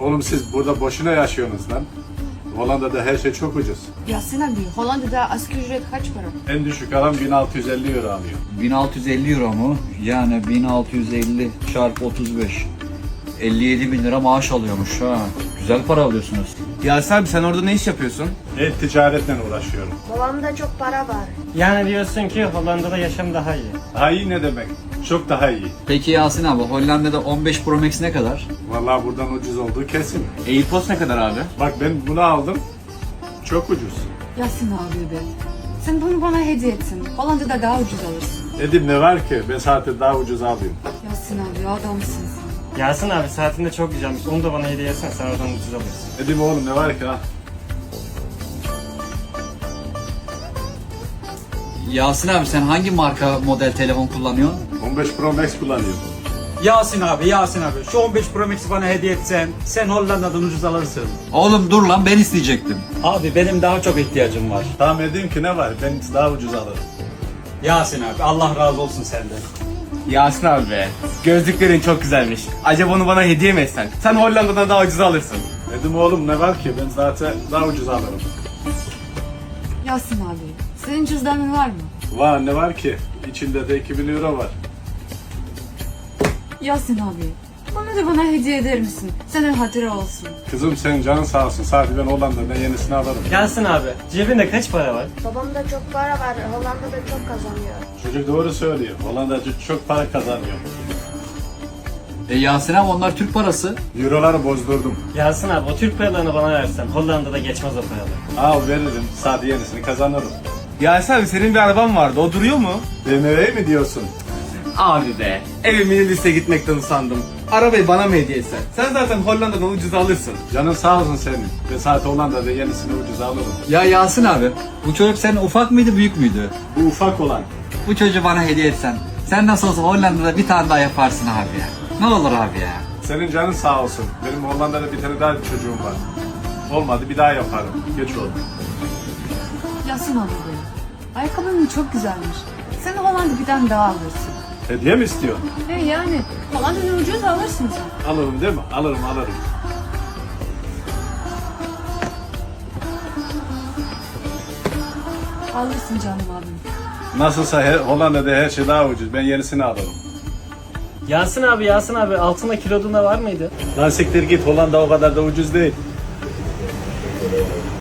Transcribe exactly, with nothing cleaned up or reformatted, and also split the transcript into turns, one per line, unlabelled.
Oğlum siz burada boşuna yaşıyorsunuz lan. Hollanda'da her şey çok ucuz.
Yasin abi, Hollanda'da asgari ücret kaç para?
En düşük adam bin altı yüz elli euro alıyor.
bin altı yüz elli euro mu? Yani bin altı yüz elli çarpı otuz beş. elli yedi bin lira maaş alıyormuş ha. Güzel para alıyorsunuz.
Yasin abi sen orada ne iş yapıyorsun?
E-ticaretle uğraşıyorum.
Babamda çok para var.
Yani diyorsun ki Hollanda'da yaşam daha iyi.
Daha iyi ne demek? Çok daha iyi.
Peki Yasin abi, Hollanda'da on beş Pro Max ne kadar?
Vallahi buradan ucuz olduğu kesin.
AirPods ne kadar abi?
Bak ben bunu aldım. Çok ucuz.
Yasin abi be. Sen bunu bana hediye etsin. Hollanda'da daha ucuz alırsın.
Dedim ne var ki? Ben zaten daha ucuz alıyorum.
Yasin abi adamsın sen.
Yasin abi saatin de çok güzelmiş. Onu da bana hediye etsen sen oradan ucuz alırsın.
Dedim oğlum ne var ki ha?
Yasin abi sen hangi marka model telefon kullanıyorsun?
on beş Pro Max kullanıyorum.
Yasin abi, Yasin abi. Şu on beş Pro Max'i bana hediye etsen, sen Hollanda'dan ucuz alırsın.
Oğlum dur lan, ben isteyecektim.
Abi benim daha çok ihtiyacım var.
Tamam edeyim ki ne var? Ben daha ucuz alırım.
Yasin abi, Allah razı olsun senden.
Yasin abi be. Gözlüklerin çok güzelmiş. Acaba onu bana hediye mi etsen? Sen Hollanda'dan daha ucuz alırsın.
Dedim oğlum ne var ki? Ben zaten daha ucuz alırım.
Yasin abi, senin cüzdanın var mı?
Var ne var ki? İçinde de iki bin euro var.
Yasin abi, bunu da bana hediye eder misin? Senin hatıra olsun.
Kızım senin canın sağ olsun. Sadece ben Hollanda'dan yenisini alırım.
Yasin abi cebinde kaç para var?
Babamda çok para var. Hollanda'da çok kazanıyor.
Çocuk doğru söylüyor. Hollanda çok para kazanıyor.
E Yasin abi, onlar Türk parası.
Euroları bozdurdum.
Yasin abi o Türk paralarını bana versen Hollanda'da geçmez o paralar.
Al veririm. Sadece yenisini kazanırım.
Yasin abi senin bir araban vardı. O duruyor mu?
B M W mi diyorsun?
Abi be. Evimin liste gitmekten usandım. Arabayı bana mı hediye etsen? Sen zaten Hollanda'dan ucuz alırsın.
Canın sağ olsun senin. Ben zaten Hollanda'da yenisini ucuz alırım.
Ya Yasin abi, bu çocuk senin ufak mıydı büyük müydü?
Bu ufak olan.
Bu çocuğu bana hediye etsen, sen nasıl olsa Hollanda'da bir tane daha yaparsın abi ya. Ne olur abi ya.
Senin canın sağ olsun. Benim Hollanda'da bir tane daha bir çocuğum var. Olmadı bir daha yaparım. Geç oldu.
Yasin abi be, ayakkabın çok güzelmiş. Sen Hollanda bir tane daha alırsın.
Hediye mi istiyorsun?
He yani, Hollanda'da ucuz alırsın sen.
Alırım değil mi? Alırım alırım.
Alırsın canım abim.
Nasılsa her, Hollanda'da her şey daha ucuz. Ben yenisini alırım.
Yasin abi Yasin abi altında kilodunda var mıydı?
Lan siktir git, Hollanda o kadar da ucuz değil.